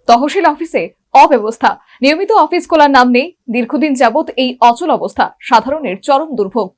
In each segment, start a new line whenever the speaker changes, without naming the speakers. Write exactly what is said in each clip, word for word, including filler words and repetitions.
তহসিল অফিসে অব্যবস্থা, নিয়মিত অফিস খোলার নাম নেই। দীর্ঘদিন যাবৎ এই অচল অবস্থা সাধারণের চরম দুর্ভোগ।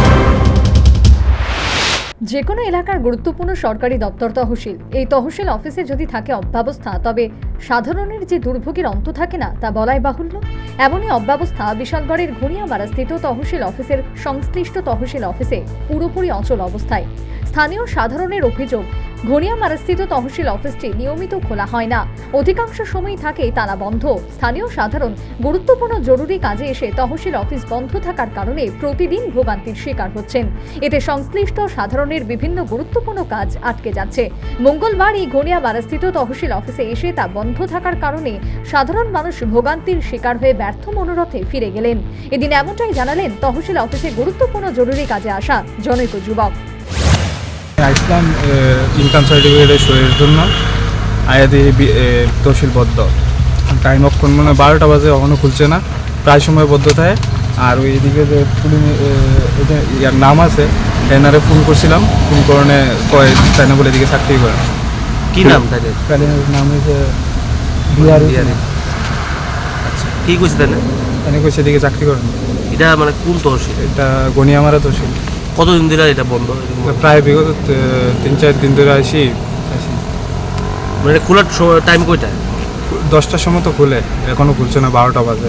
যে কোনো এলাকার গুরুত্বপূর্ণ সরকারি দপ্তর তহসিল, এই তহসিল অফিসে যদি থাকে অব্যবস্থা, তবে সাধারণের যে দুর্ভোগের অন্ত থাকে না তা বলাই বাহুল্য। এমনই অব্যবস্থা বিশালগড়ের ঘুরিয়ামারা স্থিত তহসিল অফিসের সংশ্লিষ্ট তহসিল অফিসে পুরোপুরি অচল অবস্থায়। স্থানীয় সাধারণের অভিযোগ, ঘনিয়ামারাস্থিত তহসিল অফিসটি নিয়মিত খোলা হয় না, অধিকাংশ সময় থাকে তালা বন্ধ। স্থানীয় সাধারণ গুরুত্বপূর্ণ জরুরি কাজে এসে তহসিল অফিস বন্ধ থাকার কারণে প্রতিদিন ভোগান্তির শিকার হচ্ছেন। এতে সংশ্লিষ্ট সাধারণের বিভিন্ন গুরুত্বপূর্ণ কাজ আটকে যাচ্ছে। মঙ্গলবার এই ঘনিয়ামারাস্থিত তহসিল অফিসে এসে তা বন্ধ থাকার কারণে সাধারণ মানুষ ভোগান্তির শিকার হয়ে ব্যর্থ মনোরথে ফিরে গেলেন। এদিন এমনটাই জানালেন তহসিল অফিসে গুরুত্বপূর্ণ জরুরি কাজে আসা জনৈক যুবক।
আসলাম ইনকাম সার্টিফিকেটের সইয়ের জন্য, আয়াদি তহসিল বদ্ধ। টাইম অক্ষণ মানে বারোটা বাজে, এখনও খুলছে না, প্রায় সময় বদ্ধ থাকে। আর ওই দিকে যে ইয়ার নাম আছে, ট্রেনারে ফোন করছিলাম, ফোন করণে কয় তাই না বলে এদিকে চাকরি করে।
কি নাম তাদের?
নাম হয়েছে বিহারি।
আচ্ছা, কি কইছে তাই না?
তাই কইছে এদিকে চাকরি করেন।
এটা মানে কোন তহসিল?
এটা গনিয়ামারা তহসিল।
কতদিন ধরে এটা বন্ধ?
প্রায় বিগত তিন চার দিন ধরে আসি আসি
মানে খোলার টাইম কয়টা?
দশটার সময় তো খুলে, এখনো খুলছে না, বারোটা বাজে।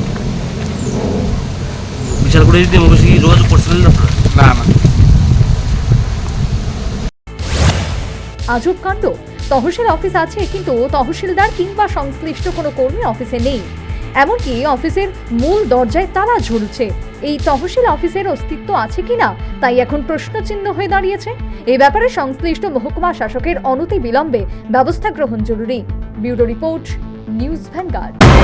বিশাল করে যদি মুখে যোগাযোগ করছিলেন না?
না না।
আজব কাণ্ড, তহসিল অফিস আছে কিন্তু তহসিলদার কিংবা সংশ্লিষ্ট কোনো কর্মী অফিসে নেই। এমনকি অফিসের মূল দরজায় তালা ঝুলছে। এই তহসিল অফিসের অস্তিত্ব আছে কিনা তাই এখন প্রশ্নচিহ্ন হয়ে দাঁড়িয়েছে। এই ব্যাপারে সংশ্লিষ্ট মহকুমা শাসকের অনতি বিলম্বে ব্যবস্থা গ্রহণ জরুরি। Bureau report, news vanguard.